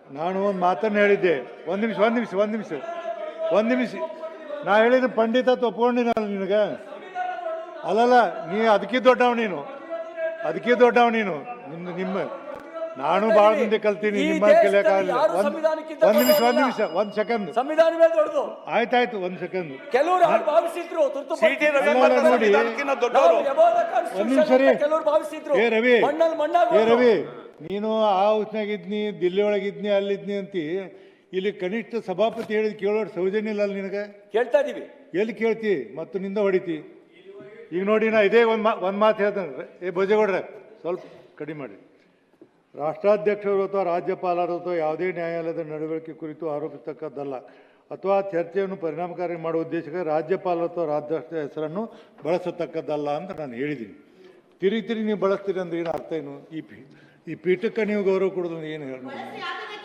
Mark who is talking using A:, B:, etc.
A: ನಾನು ಒಂದು ಮಾತನ್ನು ಹೇಳಿದ್ದೆ. ಒಂದು ನಿಮಿಷ ನಾ ಹೇಳಿದ ಪಂಡಿತ ಒಪ್ಕೊಂಡಿನಲ್ಲ ನಿನಗೆ. ಅಲ್ಲಲ್ಲ, ನೀ ಅದಕ್ಕೆ ದೊಡ್ಡವ ನೀನು ನಿಮ್ಮ ನಾನು ಭಾಳ ಮುಂದೆ ಕಲ್ತೀನಿ, ನಿಮ್ಮ ಕಲಿಯಕ್ಕಾಗಲ್ಲ. ಒಂದ್ ಸೆಕೆಂಡ್ ಆಯ್ತಾಯ್ತು, ಒಂದ್ ಸೆಕೆಂಡ್
B: ಕೆಲವರು ಭಾವಿಸಿದ್ರು
A: ನೋಡಿ. ಒಂದ್ ನಿಮಿಷ ರೀ. ರವಿ ನೀನು ಆ ಹೌಸ್ನಾಗಿದ್ನಿ, ದಿಲ್ಲಿ ಒಳಗಿದ್ನಿ, ಅಲ್ಲಿದ್ನಿ ಅಂತಿ. ಇಲ್ಲಿ ಕನಿಷ್ಠ ಸಭಾಪತಿ ಹೇಳಿದ್ ಕೇಳೋರು ಸೌಜನ್ಯ ಇಲ್ಲ ನಿನಗೆ.
B: ಕೇಳ್ತಾ ಇದೀವಿ.
A: ಎಲ್ಲಿ ಕೇಳ್ತಿ ಮತ್ತು ನಿಂದ ಹೊಡಿತಿ. ಈಗ ನೋಡಿ, ನಾ ಇದೇ ಒಂದ್ ಮಾತು ಹೇಳ್ತೇನೆ. ಭೋಜೇಗೌಡ್ರೆ ಸ್ವಲ್ಪ ಕಡಿಮೆ ಮಾಡಿ. ರಾಷ್ಟ್ರಾಧ್ಯಕ್ಷರು ಅಥವಾ ರಾಜ್ಯಪಾಲರು ಅಥವಾ ಯಾವುದೇ ನ್ಯಾಯಾಲಯದ ನಡವಳಿಕೆ ಕುರಿತು ಆರೋಪಿಸತಕ್ಕದ್ದಲ್ಲ ಅಥವಾ ಚರ್ಚೆಯನ್ನು ಪರಿಣಾಮಕಾರಿ ಮಾಡುವ ಉದ್ದೇಶಕ್ಕೆ ರಾಜ್ಯಪಾಲರು ಅಥವಾ ರಾಜ್ಯಾಧ್ಯಕ್ಷರ ಹೆಸರನ್ನು ಬಳಸತಕ್ಕದ್ದಲ್ಲ ಅಂತ ನಾನು ಹೇಳಿದ್ದೀನಿ. ತಿರುಗಿ ನೀವು ಬಳಸ್ತೀರಿ ಅಂದ್ರೆ ಏನು ಅರ್ಥ ಏನು? ಈ ಪೀಠಕ್ಕೆ ನೀವು ಗೌರವ ಕೊಡೋದು ಏನು ಹೇಳಿ?